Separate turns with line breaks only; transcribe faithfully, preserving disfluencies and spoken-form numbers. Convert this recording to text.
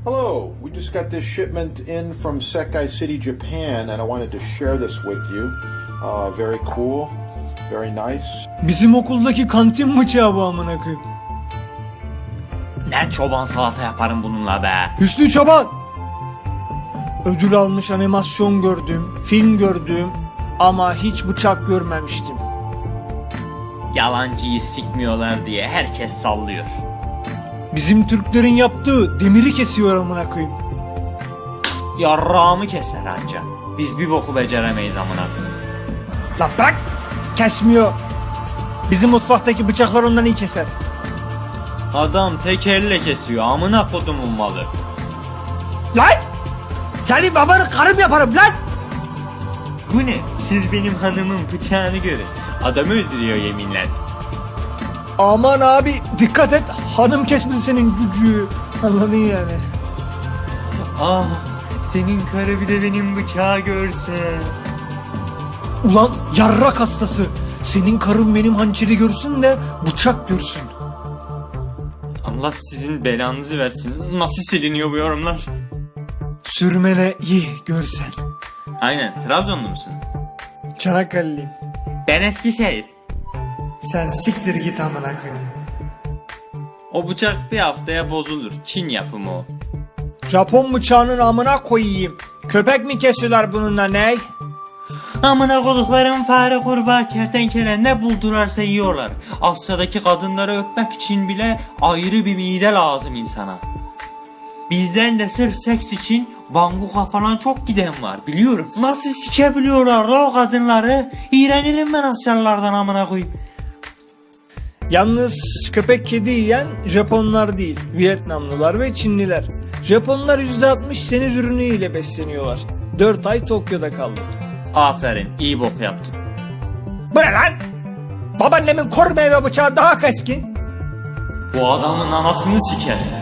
Hello, we just got this shipment in from Sekai City, Japan, and I wanted to share this with you. Uh, very cool, very nice.
Bizim okuldaki kantin bıçağı bu amına koyayım.
Ne çoban salata yaparım bununla be.
Hüsnü Çoban. Ödül almış animasyon gördüm, film gördüm ama hiç bıçak görmemiştim.
Yalancıyı sikmiyorlar diye herkes sallıyor.
Bizim Türklerin yaptığı demiri kesiyor amına koyayım.
Yarrağımı keser anca. Biz bir boku beceremeyiz amına.
Lan bırak! Kesmiyor. Bizim mutfaktaki bıçaklar ondan iyi keser.
Adam tek elle kesiyor amına kodumun malı.
Lan! Seni babanı karım yaparım lan!
Bu ne? Siz benim hanımın bıçağını görün. Adamı öldürüyor yeminle.
Aman abi dikkat et, hanım kesmedi senin gücü. Anladın yani.
Ah, senin karı bir de benim bıçağı görse.
Ulan yarrak hastası. Senin karın benim hançeri görsün de bıçak görsün.
Allah sizin belanızı versin. Nasıl siliniyor bu yorumlar?
Sürmene iyi görsen.
Aynen, Trabzonlu musun?
Çanakkale'liyim.
Ben Eskişehir.
Sen siktir git amına koyayım.
O bıçak bir haftaya bozulur. Çin yapımı o.
Japon bıçağının amına koyayım. Köpek mi kesiyorlar bununla ne?
Amına koduklarım fare, kurbağa, kertenkele ne buldurarsa yiyorlar. Asya'daki kadınları öpmek için bile ayrı bir mide lazım insana. Bizden de sırf seks için banguka falan çok giden var biliyorum. Nasıl sikebiliyorlar la o kadınları? İğrenirim ben Asyalılardan amına koyayım.
Yalnız köpek kedi yiyen Japonlar değil, Vietnamlılar ve Çinliler. Japonlar yüzde altmış seniz ürünü ile besleniyorlar. dört ay Tokyo'da kaldım.
Aferin, iyi bok yaptın.
Bu ne lan? Babaannemin kor meyve bıçağı daha keskin.
Bu adamın anasını siker.